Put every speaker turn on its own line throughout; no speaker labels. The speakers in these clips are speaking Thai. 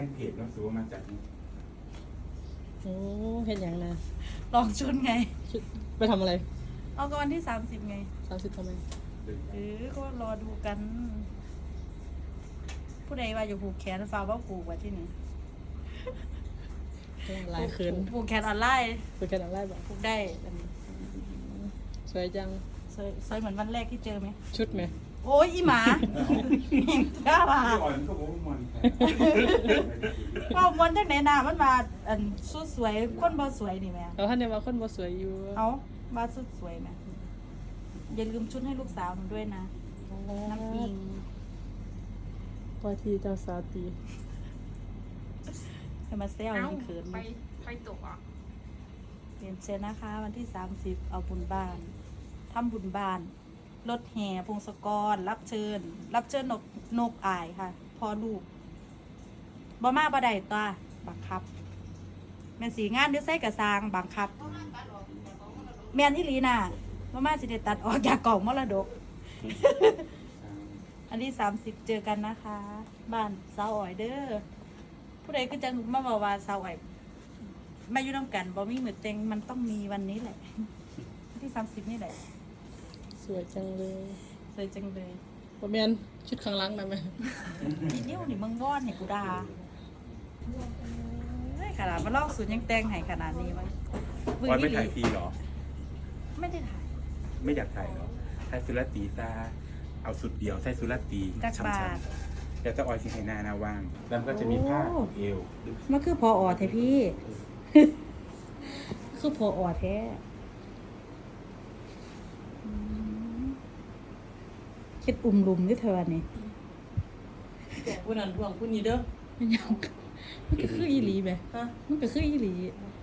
เพจเราซื้อมาจากนี้
โอ้เห็นอย่างนะ
ลองชุดไง
ไปทำอะไร
เอาก็วันที่30ไง
30ทำไม
ก็รอดูกัน ผู้ใดว่าอยู่ผูกแขนฟ้าว่าผูกไว้ที่นี่
หลายคืน
ผูกแขนออนไลน์
คุยกันอะไรบ้าง
ผูกได้
สวยจัง
สวยเหมือนวันแรกที่เจอไหม
ชุดไหม
โอ้ยอีหมากล้ามา
พี่อ่อนก็บอกว่ามัน
ก็มันจากไหนนามันมาอันสุดสวยคนบ่สวยนี่แม่
เราท่านเนี่ยว่าคนบ่สวยอยู่
เอามาสุดสวยแม่อย่าลืมชุดให้ลูกสาวหนูด้วยนะน้ำพิง
ปาทีเจ้าสาวตี
ให้มาเซลยังเขิน
ไปตกอ่ะ
เรียนเชิญนะคะ วันที่30เอาบุญบ้านทำบุญบ้านรถแห่พงศกรรับเชิญนกอายค่ะพ่อลูกบ่มาบ่ได้ตัวบังคับแม่นสีงานด้วยไส้กระซางบังคับแม่นอีหลีน่ะบ่มาสิได้ตัดออกจากกล่องมรดก อันที่30เจอกันนะคะ บ้านสาวอ้อยเด้อผู้ใดก็จะมาบอกว่าสาวอ้อยมาอยู่น้ำกันบ่มีมือเต็งมันต้องมีวันนี้แหละวันที่30นี่แหละ
สวยจังเลย
สวยจังเลย
บ่แม่นชุดข้างหลังนั่นไหม
ทีนิ้วนี่มึงวอนให้กูด่าเฮ้ยขนาดมาลอกสูตรยังแต่งให้ขนาดนี้วะ
อ่อนไม่ถ่ายทีหรอ
ไม่ได้ถ่าย
ไม่อยากถ่ายหรอถ่ายสุรตีซาเอาสุดเดียวใส่สุรตี
จักบาท
เดี๋ยวจะออยสิให้หน้าว่าง แล้วก็จะมีผ้าเอว
มันคือพอออแท้พี่ คือพอออแท้คิดอุ่มลุมด้วยเธอนี่
แต่ผู้นั้นห่วงผู้นี้เด้อ
มันยังมันก็คืออีหลีไหม
ฮะ
มันก็คืออีหลี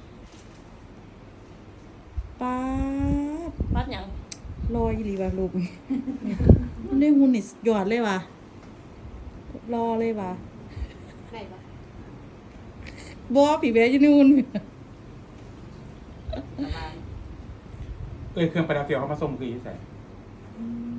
ป้าด
ปัดหยัง
รออีหลีว่ะลูก มันได้หุ่นนี่หยอดเลยว่ะรอเลยว่ะ
ไหนปะ
บอผีแบอยู่ในหุ่น
เครื่องประดับเดียวเขามาส่งคือใส่
อืม